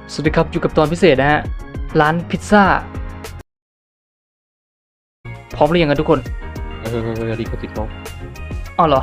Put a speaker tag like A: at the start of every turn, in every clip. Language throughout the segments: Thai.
A: สวัสดีครับอยู่กับตอนพิเศษนะฮะร้านพิซซ่าพร้อมหรือยังกันทุกคน
B: ดีกว่าติดลบ
A: อ๋อเหรอ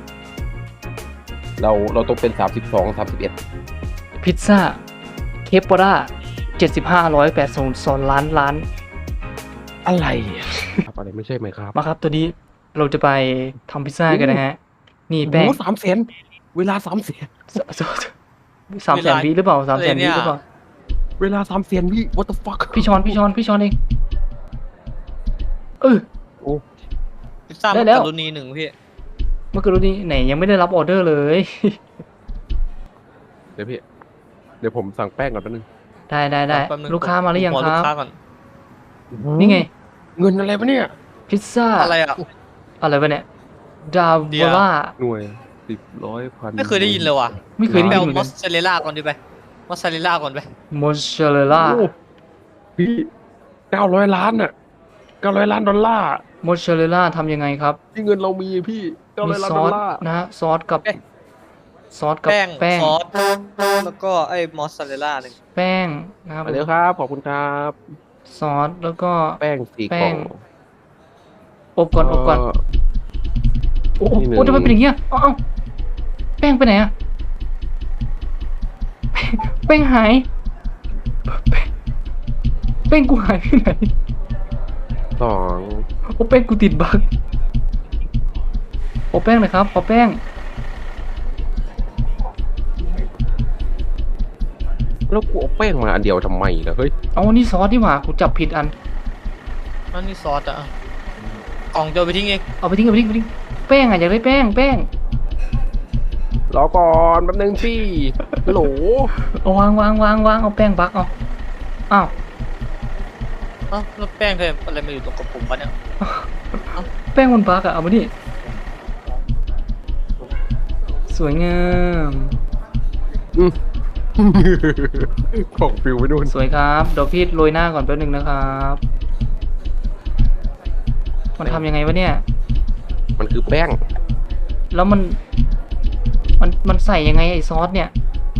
B: เราต้องเป็น32 31
A: พิซซ่าเคปปอร่า75 180ล้าน
B: อะไรครับอะไรไม่ใช่ไหมครับ
A: มาครับตัวนี้เราจะไปทำพิซซ่ากันนะฮะนี่แป้ง
B: โอ้300,000เวลา300,000
A: 300,000วิหรือเปล่า300,000วิหรือเปล่า
B: เวลา300,000วิ what the fuck
A: พี่ชอนเอง
B: โอ้
C: พิซซ่า
A: ได้
C: มัก
A: แล้ว
C: กะรุนี1พี่
A: เมื่อกี้นี้ไหนยังไม่ได้รับออเดอร์เลย
B: เดี๋ยวผมสั่งแป้งก่อนแป๊บนึง
A: ได้
C: แป๊บนึง
A: ลูกค้ามาหรือยัง
C: ขอ
A: ค
C: ลู
A: รั
C: ก
A: บ
C: ค้าก่อน
A: นี่ไง
B: เงินอะไรวะเนี่ย
A: พิซซ่า
C: อะไรอ่ะ
A: อะไรวะเนี่ยดาว
C: เดี๋ยว
A: ล่า
B: หน่วย10 100 1,000
C: ไม่เคยได้ยินเลยว่ะ
A: ไม่เคยได้
C: ไป
A: ยิน
C: เอา
A: เหมือน
C: ม
A: กั
C: อน สซาเรลล่าก่อนดิไปมอสซาเรลล่าก่อนไป
A: มอสซาเรลล่า
B: โอ้พี่900 ล้านอ่ะ900 ล้านดอลลาร์
A: มอสซาเรลล่าทำยังไงครับ
B: ที่เงินเรามีพี่
A: มี
B: 900 ล้าน
A: ซ
B: ด
A: อ
B: อล
A: ส
B: ลาร์
A: นะฮะซอสกับ
C: แป้ง
A: แป้ง
C: ซอสแล้วก็ไอ้มอสซาเรลล่าหนึ่ง
A: แป้งนะครับ
B: มาเร็วครับขอบคุณครับ
A: ซอสแล้วก็
B: แป้ง4
A: แป้
B: กล่อง ง
A: อบก่อนโอ้โห
B: นี่หนึ่ง
A: โอ้ทำไมเป็นอย่างเงี้ยเอ้าแป้งไปไหนอะแป้งหายแป้งกูหายไปไหน
B: 2
A: โอ้แป้งกูติดบั๊กโอ้แป้งหน่อยครับขอแป้ง
B: แล้วกูเอาแป้งมาอันเดียวทำไมล่ะเฮ้ย
A: เอานี่ซอสดีกว่ากูจับผิดอัน
C: นั่นนี่ซอสอ่ะกล่องจะเอาไปทิ้งเอง
A: เอาไปทิ้งแป้งอะอยากได้แป้ง
B: รอก่อนแป๊บนึงพี่ฮัลโหล
A: เอาวางเอาแป้งบักเอาอ้าว
C: เอ้าแล้วแป้งเธออะไรมาอยู่ตรงกระปุกวะเนี่ย
A: แป้งมันบักอะเอามาดิสวยงาม
B: ของฟิวไปนู่น
A: สวยครับเดี๋ยวพี่โรยหน้าก่อนแป๊บนึงนะครับมันทำยังไงวะเนี่ย
B: มันคือแป้ง
A: แล้วมันใส่ยังไงไอ้ซอสเนี่ย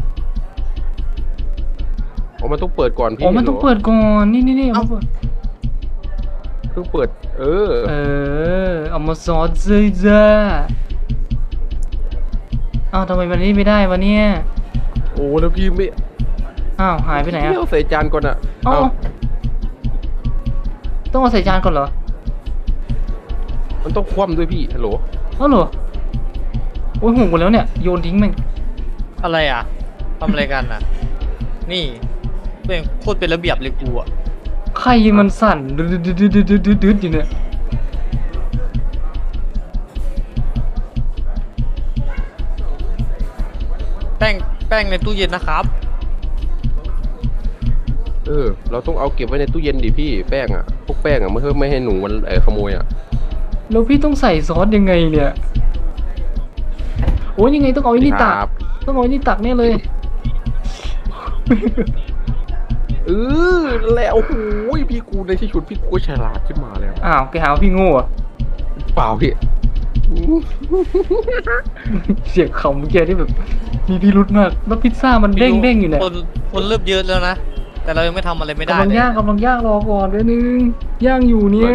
B: อ๋อมันต้องเปิดก่อนพี่
A: อ๋อมันต้องเปิดก่อนนี่เอามาเปิด
B: เพิ่งเปิด
A: เอามาซอสเลยจ้าอ้าวทำไมมันนี่ไม่ได้วะเนี่ย
B: โอ้แล้วพี่ไม่
A: อ้าวหายไปไหนอะ
B: พี่เอาใส่จานก่อนอ่ะ
A: เอาต้องเอาใส่จานก่อนเหรอ
B: มันต้องคว่ำด้วยพี่ฮัลโหล
A: เอาเหรอโอ้ยหกหมดแล้วเนี่ยโยนทิ้งแม่ง
C: อะไรอ่ะทำอะไรกันอ่ะ นี่เป็นโคตรเป็นระเบียบเลยกูอ่ะ
A: ใครมันสั่นดืดอยู่เนี่ย
C: แป้งในตู้เย็นนะครับ
B: เราต้องเอาเก็บไว้ในตู้เย็นดิพี่แป้งอ่ะพวกแป้งอ่ะไม่ให้หนูมันขโมยอ่ะ
A: แล้วพี่ต้องใส่ซอสยังไงเนี่ยโอ้ยยังไงต้องเอาไอ้นี่ตัก
B: ครับ
A: ต้องเอาไอ้นี่ตักแน่เลย
B: แล้วโอ้โหพี่กูในที่ชุดพี่กูฉลาดขึ้นมาแล้ว
A: อ้าวแกหาว่าพี่โง่อะ
B: เปล่าพี่
A: เสียงขำเมื่อกี้ที่แบบมีพิรุธมากแล้วพิซซ่ามันเด้งอยู่เนี่ย
C: คนเริ่มเยอะแล้วนะ แต่เรายังไม่ทำอะไรไม่ได้
A: กำลัง
C: เลย
A: ย่างรอก่อนเดี๋ยวนึงย่างอยู่เนี่ย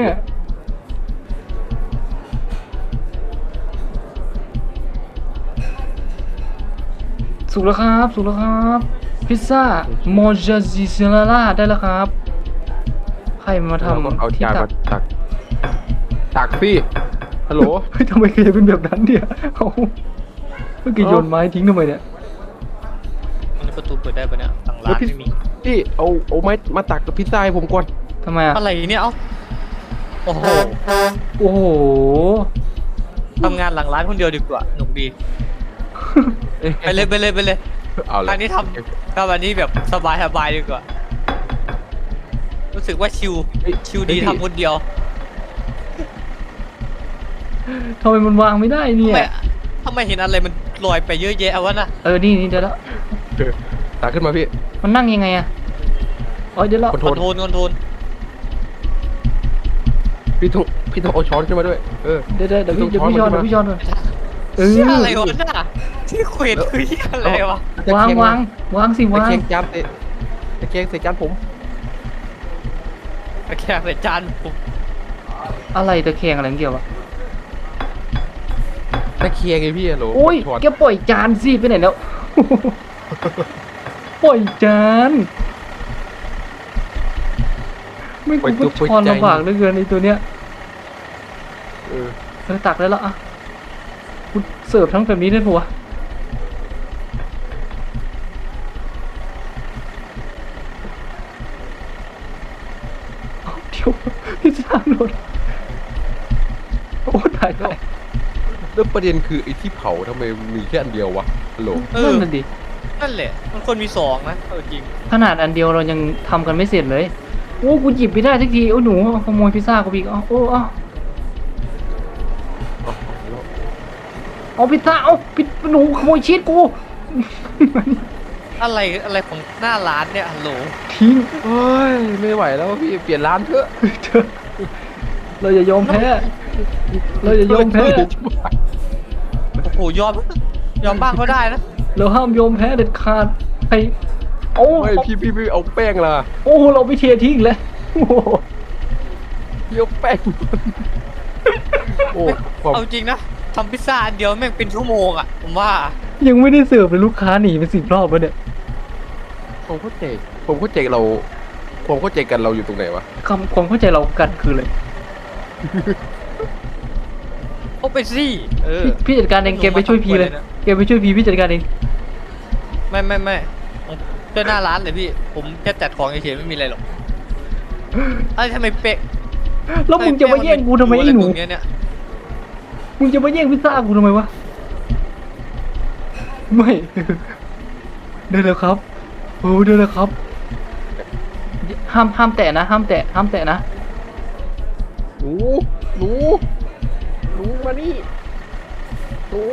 A: สุกแล้วครับพิซซ่ามอจาซิเซล่าได้แล้วครับใครมาทำ
B: เอา
A: ที่
B: จาน
A: ตั
B: มาก ตักพี่ฮัลโหล
A: เฮ้ยทำไมเคยเป็นแบบนั้นเนี่ยเอาเมื่อกี้โยนไม้ทิ้งทำไมเนี่ย
C: มันประตูเปิดได้ปะเนี่ยทางร้านไม่มี
B: พี่เอาไม้มาตักกับพิซซ่าให้ผมก่อน
A: ทำไมอะ
C: อะไรเนี่ยเอ้าโอ้โห
A: โอ้โห
C: ทำงานหลังร้านคนเดียวดีกว่าหนุกดี ไปเลย
B: เอาเลย
C: ทางนี้ทำอันนี้แบบสบายดีกว่า รู้สึกว่าชิวดีทำคนเดียว
A: ทำไมมันวางไม่ได้เนี่ย
C: ทำไมเห็นอะไรมันลอยไปเยอะแยะวะน่ะ
A: นี่เดี๋ยวแล้ว
B: ตักขึ้นมาพี่
A: มันนั่งยังไงอะเดี๋ยวแล้ว
C: คอนโทรล
B: พี่ต้องเอาช้อนขึ้นมาด้วย
A: เดี๋ยวพี่ช้อนก่อน
C: เชี่ยอะไรวะน่ะที่เควสคือเชี่ยอะไรวะ
A: วางสิวาง
B: แข่งจานเตะตะแกรงใส่จานผม
C: ตะแคงใส่จานผม
A: อะไรตะแคงอะไรเกี่ยววะ
B: ตะแกรงไงพี่ฮัลโหล
A: โอ้ย
B: ถอด
A: แกปล่อยจานสิไปไหนแล้ว ปล่อยจานไม่กูก็ช้อนลำบากเหลือเกินในตัวเนี้ย
B: เออ
A: ตักได้แล้วอ่ะกูเสิร์ฟทั้งแบบนี้ได้ปะวะเอาเดี๋ยวพิซซ่าหล่นโอ้ตายตาย
B: แล้วประเด็นคือไอ้ที่เผาทำไมมีแค่อันเดียววะฮัลโหล
A: นั่นน่ะดิ
C: นั่นแหละ มันควรมีสองนะเอาจริง
A: ขนาดอันเดียวเรายังทำกันไม่เสร็จเลยโอ้กูหยิบไม่ได้สักทีโอ้หนูขโมยพิซซ่ากูอีกอ๋อโอ้อ๋อ เอาพิซซ่าเอาพิซหนูขโมยชีสกู
C: อะไรของหน้าร้านเนี่ยฮัลโหล
A: ทิ้ง
B: เฮ้ยไม่ไหวแล้วพี่เปลี่ยนร้านเถอะ
A: เธอเราอย่ายอมแพ้เราอย่ายอมแพ้
C: โอ้โหยอมบ้างก็ได้นะ
A: เราห้ามยอมแพ้เด็ดขาดไอ้โอ้
B: ไม่พี่เอาแป้งล่ะ
A: โอ้เราไปเททิ้งแล้วโอ้โห
B: พี่เอาแป้งโอ้ความ
C: เอาจริงนะทำพิซซ่าอันเดียวแม่งเป็นชั่วโมงอ่ะผมว่า
A: ยังไม่ได้เสิร์ฟเลยลูกค้าหนีไป10 รอบแล้วเนี่ย
B: ผมเข้าใจเราผมเข้าใจกันเราอยู่ตรงไหนวะ
A: ความเข้าใจเรากันคืออะไร
C: โอ้ไปสิเออ
A: พี่จัดการเองเกมไปช่วยพีเลยเกมไปช่วยพีพี่จัดการเอง
C: ไม่เจ้าหน้าร้านเลยพี่ ผมแค่จัดของเฉยๆไม่มีอะไรหรอกเอ้ยทำไมเป๊ะ
A: แล้วมึงจะมาแย่งกูทำไมไอ้หนู
C: ะรตรงเนี้ยเนี่ย
A: มึงจะมาแย่งพิซซ่ากูทำไมวะ ไม่ เดินเลยครับโอ้เดินเลยครับ ห้ามแตะนะ ห้ามแตะนะ
B: หนูมานี่หนู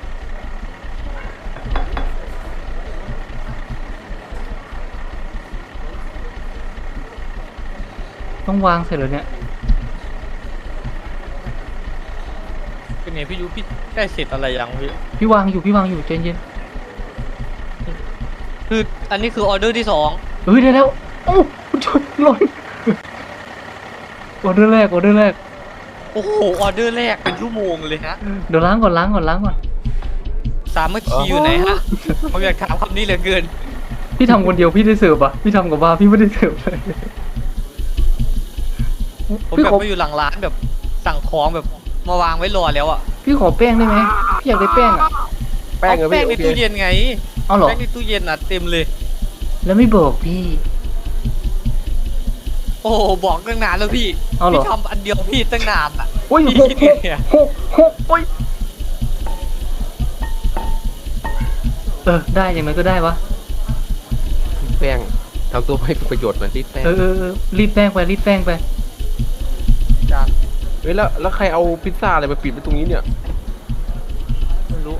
A: ต้องวางเสร็จแล้วเนี่ย
C: เป็นไงพี่ยูพี่ได้เสร็จอะไรยังพี่
A: พี่วางอยู่ใจเย็น
C: คืออันนี้คือออเดอร์ที่สอง
A: เฮ้ยได้แล้วโอ้ชนหล่นออเดอร์แรก
C: โอ้โหออเดอร์แรกเป็นชั่วโมงเลยฮะ
A: เดี๋ยวล้างก่อน
C: สามัคคีอยู่ไหนฮะผมอยากถามคำนี้เหลือเกิน
A: พี่ทำคนเดียวพี่ได้เสิร์ฟอ่ะ พี่ทำกับบ้าพี่ไม่ได้เสิร์ฟเลย
C: ผม
A: พี่
C: แบบ
A: ขอ
C: ไปอยู่หลังร้านแบบสั่งของแบบมาวางไว้รอแล้วอ่ะ
A: พี่ขอแป้งได้ไหมพี่อยากได้แป้งอ่ะ
B: แป้งเหรอ
C: แป้
B: พี่
C: งใน
B: โอเค
C: ตู้เย็นไง
A: เอาเหรอ
C: แป้งในตู้เย็นอ่ะเต็มเลย
A: แล้วไม่บอกพี่
C: โอ้โหบอกตั้งนานแล้วพี่
A: เอาเหรอ
C: พี่ทำอันเดียวพี่ตั้งนานอ่ะ
A: โอ้ย
C: พี่
A: หก
C: เนี่ย
A: โอ้ยได้ยังไงก็ได้วะ
B: แป้งทำตัวให้เป็นประโยชน์หน่อยที่แป้ง
A: รีบแป้งไป
C: จาน
B: เฮ้ยแล้วใครเอาพิซซ่าอะไรมาปิดไว้ตรงนี้เนี่ย
C: ไม่รู้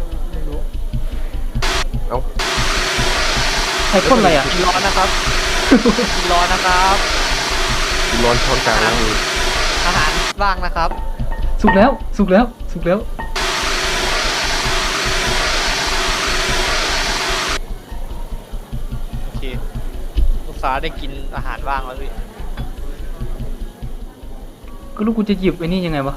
B: เอา
A: ใครพ่นอะไรอ่ะ
C: กินร้อนนะครับ กินร้อนนะครับ
B: นอนช้อนกลางล้างมือ
C: อาหารว่างนะครับ
A: สุกแล้ว
C: โอเคลูกค้าได้กินอาหารว่างแล้วพี่
A: ก็ลูกกูจะหยิบไอ้นี่ยังไงวะ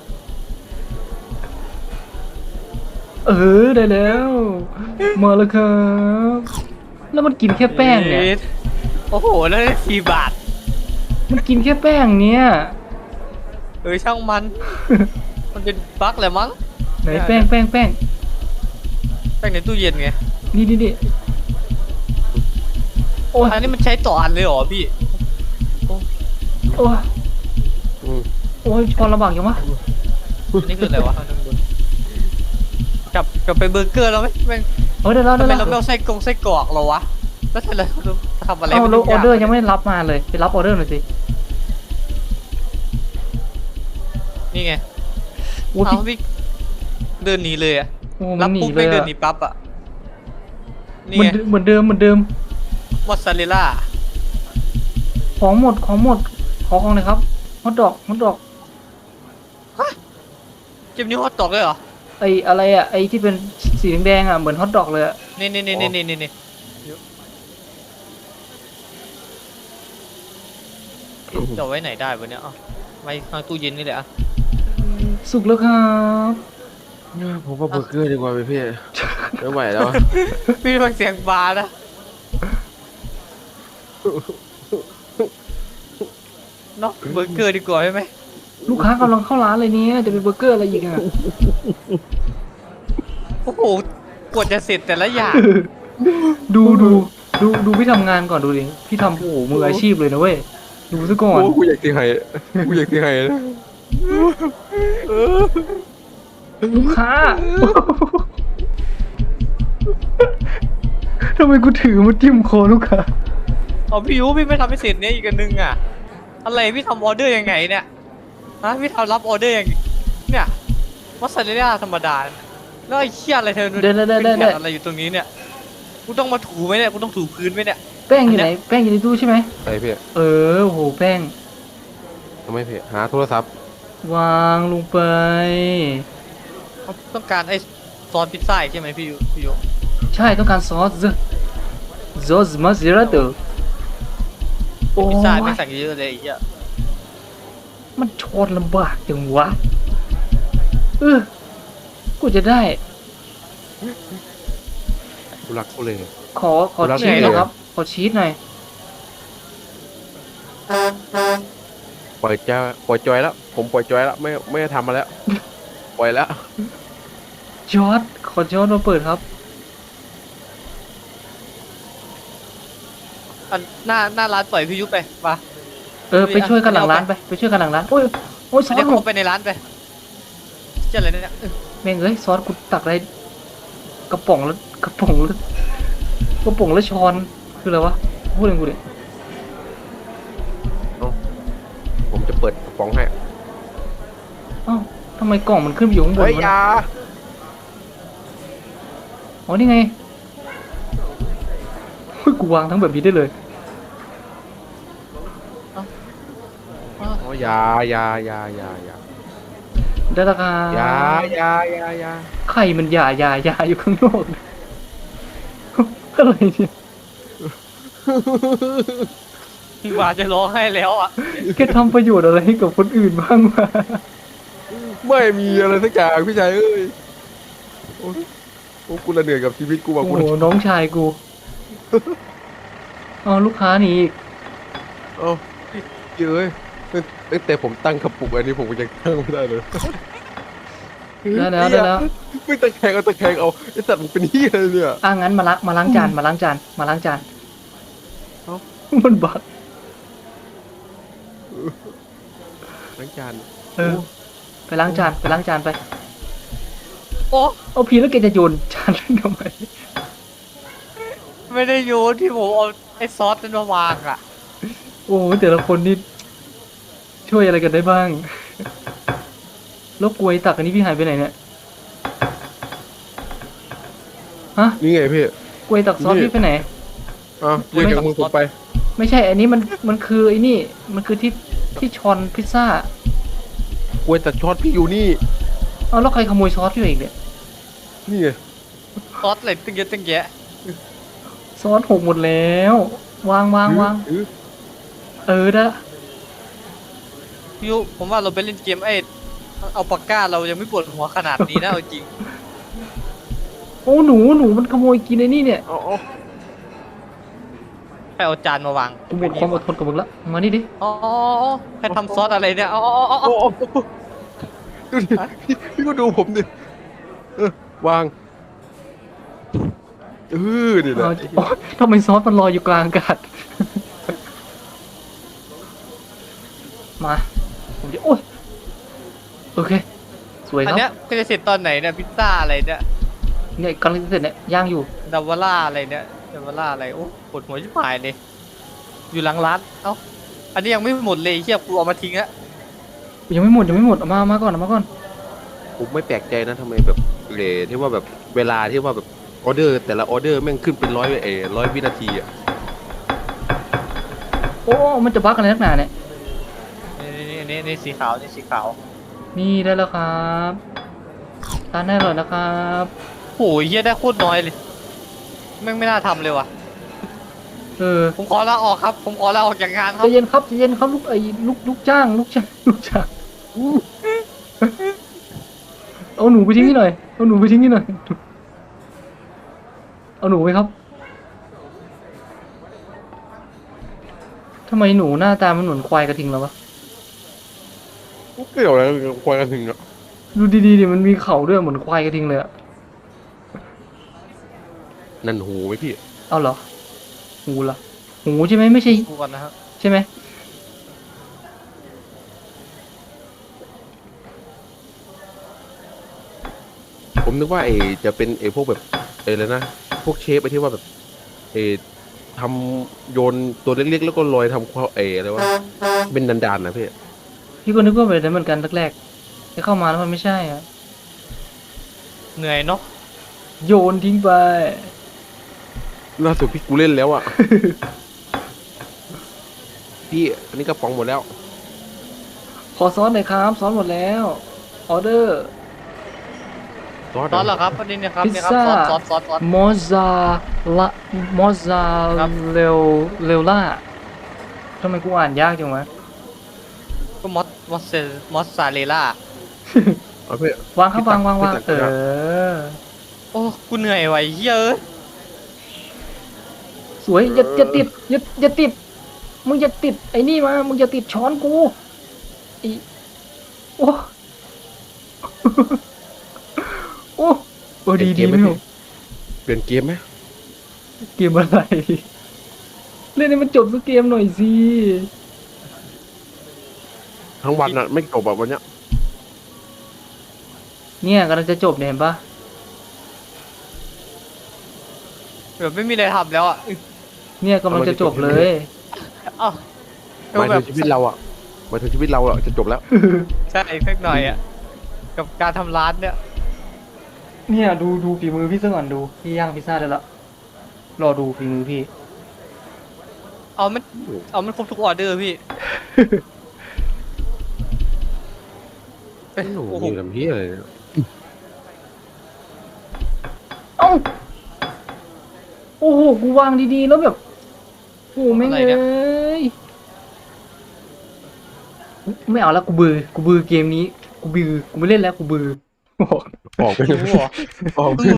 A: ได้แล้ว มาแล้วครับ แล้วมันกินแค่แป้งเนี่ย
C: โอ้โหแล้วได้4 บาท
A: มันกินแค่แป้งเนี่ย
C: ช่างมัน มันเป็นบั๊กแหละมั้ง
A: ไหนแป้ง
C: แป้งในตู้เย็นไง
A: นี่โอ้ย
C: อันนี้มันใช้ต่ออันเลยเหรอพี่
A: โอ้ย
B: อืม
A: โอ้ยช้อนลำบากยังวะ
C: อันนี้คืออะไรวะกลับไปเบอร์เกอร์แล้วไหมแม่ง
A: ได้แล้ว
C: ทำไมเราไม่เอาไส้กรอกเราวะ แล้วเราทำอะไร
A: เอา
C: ไม่
A: แล้ว
C: รู้
A: ออเดอร์ยังไม่รับมาเลย ไปรับออเดอร์หน่อยสิ
C: นี่ไง
A: โอ้ย
C: เอาพี่เดินหนีเลยอะ
A: โอ้
C: รั
A: มันหนี
C: ปุ๊บ
A: เล
C: ไม่
A: ย
C: เดิน
A: อะ
C: หนีปั๊บอะนี่
A: เหมือ
C: ไง
A: นเหมือนเดิม
C: มอสซาเรลล่า
A: ของหมด ขอของเลยครับฮอทดอก
C: เจ็บนิ้วฮอตดอกเลยเหรอ
A: ไออะไรอ่ะ ไอที่เป็นสีแดงๆอ่ะ เหมือนฮอทดอกเลยอ่ะ
C: นี่จะเอาไว้ไหนได้วะเนี่ยเอาไว้ข้างตู้เย็นนี่แหละอะ
A: สุกแล้วครับ
B: ผมว่าเบอร์เกอร์ดีกว่าพี่ไม่ไหวแล้วอะ
C: พี่ฟังเสียงบาร์นะเนาะเบอร์เกอร์ดีกว่าใช่ไหม
A: ลูกค้ากำลังเข้าร้านเลยเนี่ยจะเป็นเบอร์เกอร์อะไรอีกอ่ะ
C: โอ้โหกว่าจะเสร็จแต่ละอย่าง
A: ดูพี่ทำงานก่อนดูดิพี่ทำโอ้โหมืออาชีพเลยนะเว้ยดูซะก่อน
B: โอ้กูอยากตีไห้กูอยากตีไห้นะ
A: ลูกค้า ทำไมกูถือมาจิ้มคอลูกค้า
C: เอาพี่ยูพี่ไม่ทำให้เสร็จเนี่ยอีกอันนึงอ่ะอะไรพี่ทำออเดอร์ยังไงเนี่ยฮะพี่ทำรับออเดอร์ยังเนี่ยมอสซาเรลล่าธรรมดาแล้วไอ้เชี่ยอะไรเธอเป็นแผ่นอะไรอยู่ตรงนี้เนี่ยกูต้องมาถูไหมเนี่ยกูต้องถูพื้นไหมเนี่ย
A: แป้งอยู่ไหนแป้งอยู่ในตู้ใช่ไหม
B: ไอ้พี่
A: เออโอ้โหแป้ง
B: ทำไมพี่หาโทรศัพท์
A: วางลงไป
C: เขาต้องการไอ้ซอสพิซซ่าใช่ไหมพี่ยู
A: ใช่ต้องการซอสมาซิราโตโอ้
C: พิซซ่าไม่
A: ย
C: สั่งเยอะเลยไอ้เหี้ย
A: มันชนลำบากจังวะกูจะได้
B: กูรักเขาเลย
A: ขอ
B: รับ
A: ชีส
B: ไง
A: หน่อย
B: เลย
A: ครับ ขอชีสหน่อย
B: ปล่อยจอยแล้วผมปล่อยจอยแล้วไม่ทำมาแล้วปล่อยแล้ว
A: จอร์ดขอจอร์ดมาเปิดครับ
C: อันหน้าร้านปล่อยพี่ยูไปมา
A: ไปช่วยกันหลังร้านไปช่วยกันหลังร้านโอ้ยซอ
C: เรีย
A: ส
C: ก
A: หม
C: เขา
A: ด
C: ไปในร้านไปเชี่ยอะไรเนี่ย
A: แม่งเอ้ยซอสกูตักได้กระป๋องแล้วช้อนคืออะไรวะพูดเองกูดิ
B: ผมจะเปิดกระป๋องให้
A: อ้าวทำไมกล่องมันขึ้นไปอยู่ข้างบน
B: เฮ้ยว
A: ะ
B: อยา
A: อ๋อนี่ไงเฮ้ยกูวางทั้งแบบนี้ได้เลย
B: อ๋อยา
A: ได้และครับ
B: ยา
A: ไข่มันหย่าอยู่ข้างนอกอะไรเนี่ย
C: ว่าจะร้องให้แล้วอ่ะ
A: แกทำประโยชน์อะไรให้กับคนอื่นบ้างวะ
B: ไม่มีอะไรสักอย่างพี่ชายเอ้ยโอ้กูละเหนื่อยกับชีวิตกูว่ะ
A: โอ้
B: กู
A: โหน้องชายกูเอาลูกค้าหนีอีก
B: เอ้าเอ้ยตั้งแต่ผมตั้งกระปุกอันนี้ผมก็ยังตั้งไม่ได้เลย
A: ได้แล้ว
B: ไม่ตะแคงเอาไอ้สัตว์มันเป็นเหี้ยอะไรเนี่ย
A: งั้นมาล้างจาน
B: เอ้า
A: มันบัก
B: ล้างจาน
A: ไปล้างจานไป
C: โอ้
A: เอาพีแล้วแกจะโยนจานทำไม
C: ไม่ได้โยนที่ผมเอาไอ้ซอสนั้นมาวางอ่ะ
A: โอ้แต่ละคนนี่ช่วยอะไรกันได้บ้างแล้วกลวยตักอันนี้พี่หายไปไหนเนี่ยฮะ
B: นี่ไงพี่
A: กลวยตักซอสพี่ไปไหน
B: อ้าวเรียกจากมือผมไป
A: ไม่ใช่ อันนี้มันคือไอ้นี่ มันคือที่ช้อนพิซซ่าก
B: ล้วยตัดช็อตพี่อยู่นี่
A: เอาแล้วใครขโมยซอสพี่อีกเนี่ย
B: นี่ไง
C: ซอสอะไรตั้งเยอะตั้งแยะ
A: ซอสหกหมดแล้ว วาง
B: ถือ
A: ได้
C: พี่ยูผมว่าเราไปเล่นเกมไอ้เอาปากกาเรายังไม่ปวดหัวขนาดนี้นะเอาจริง
A: โอ้หนูมันขโมยกินไอ้นี่เนี่ย
B: เอา
C: ไปเอาจานมาวาง
A: กูหมดความอดทนกับมึงละมานี่ดิ
C: อ๋อใครทำซอสอะไรเนี่ยอ๋อ
B: โอ้ดูดิพี่ก็ดูผมดิวางนี่แหละ
A: โอ๊ยทำไมซอสมันลอยอยู่กลางอากาศ มาผมจะโอ้ยโอเค สวยค
C: อัน
A: รับ
C: เนี้ยก็จะเสร็จตอนไหนเนี่ยพิซซ่าอะไรเนี่ย
A: เนี่ยกำลังจะเสร็จเนี่ยย่างอยู่
C: ดาวาร่าอะไรเนี่ยดาวาร่าอะไรโอ้ปวดหัวชิบหายเลยอยู่หลังร้านเอ้าอันนี้ยังไม่หมดเลยเชี่ยกูเอามาทิ้งอะ
A: ยังไม่หมดเอามาก่อน
B: ผมไม่แปลกใจนะทำไมแบบที่ว่าแบบเวลาที่ว่าแบบออเดอร์แต่ละออเดอร์แม่งขึ้นเป็น100วินาทีอ่ะ
A: โอ้มันจะบั๊กอะไรนักหนาเนี่ย
C: นี่สีขาวนี่สีขาว
A: นี่ได้แล้วครับทานได้เลยนะครับ
C: โอ้ยเฮียได้โคตรน้อยเลยแม่งไม่น่าทำเลยว่ะ
A: เออ
C: ผมขอลาออกครับ ผมขอลาออกจากงานค
A: ใจ
C: รับ
A: เย็นครับใจเย็นครับลูกไอ้ลูกจ้างลูกจ้างลูกจ้างเอาหนูไปทิ้งนี่หน่อยเอาหนูไปทิ้งนี่หน่อยเอาหนูไปครับทำไมหนูหน้าตามันเหมือนควายกระทิงแล้ววะ
B: เกี่ยวอะไรกับควายกระทิงอ่ะ
A: ดูดีๆดิมันมีเข่าด้วยเหมือนควายกระทิงเลยอะ
B: นั่นหูไหมพี่
A: เอาเหรอหูเหรอหูใช่ไหมไม่ใช่
C: ดูก่อนนะครับ
A: ใช่ไหม
B: ผมนึกว่าจะเป็นพวกแบบอะไรนะพวกเชฟที่ว่าแบบทำโยนตัวเล็กๆแล้วก็ลอยทำความอะไรวะเป็นดานๆนะพี่
A: พี่ก็นึกว่าแบบนั้นเหมือนกันแรกๆแต่เข้ามาแล้วมันไม่ใช่อ่ะ
C: เหนื่อยเนาะ
A: โยนทิ้งไป
B: ล่าสุดพี่กูเล่นแล้วอ่ะ พี่อันนี้กระป๋องหมดแล้ว
A: ขอซอสหน่อยครับซอสหมดแล้วออเดอร์
B: ซอส
C: ซอสเหรอครับประเด็นเนี่ยครับ
A: พิซ
C: เนี่ยครับ
A: ซ่า
C: ซอส
A: มอสซาละมอสซา
C: ครับ
A: เรลล่าทำไมกูอ่านยากจังวะ
C: ก็มอสซาเรลล่า
B: เอาพี่
A: วางครับวาง
B: พี่ตัก
A: เออ
C: โอ้กูเหนื่อยว่ะไอ้เหี้ยเอะ
A: สวยอย่าติดอย่าติดมึงอย่าติดไอ้นี่มามึงอย่าติดช้อนกูไอโอ้ โอ้ดีไม่เอา
B: เปลี่ยนเกมไหม
A: เกมอะไรเล่นให้มันจบสักเกมหน่อยสิ
B: ทั้งวันอ่ะไม่จบแบบวันเนี้ย
A: เนี่ยกำลังจะจบเนี่ยเห็นปะ
C: แบบไม่มีอะไรทำแล้วอ่ะ
A: เนี่ยกำลังจะจบเลย
C: เอ้า
B: หมายถึงชีวิตเราอ่ะหมายถึงชีวิตเราอ่ะจะจบแล้ว
C: ใช่สักหน่อยอ่ะกับการทำร้านเนี่ย
A: เนี่ยดูฝีมือพี่ซะก่อนดูพี่ย่างพิซซ่าได้ละรอดูฝีมือพี่
C: เอามันครบทุกออเดอร์พี่
B: โอ้โหนี่ทำเพี้ยอะไรเนี่ย
A: เอ้าโอ้โหกูวางดีๆแล้วแบบโอ้โหไม่ง
C: อะไร
A: เล
C: เนี่ย
A: ยไม่เอาแล้วกูเบื่อเกมนี้กูไม่เล่นแล้วกูเบื่อ
B: ออกไป
C: รู้เหรอ
B: ออกไป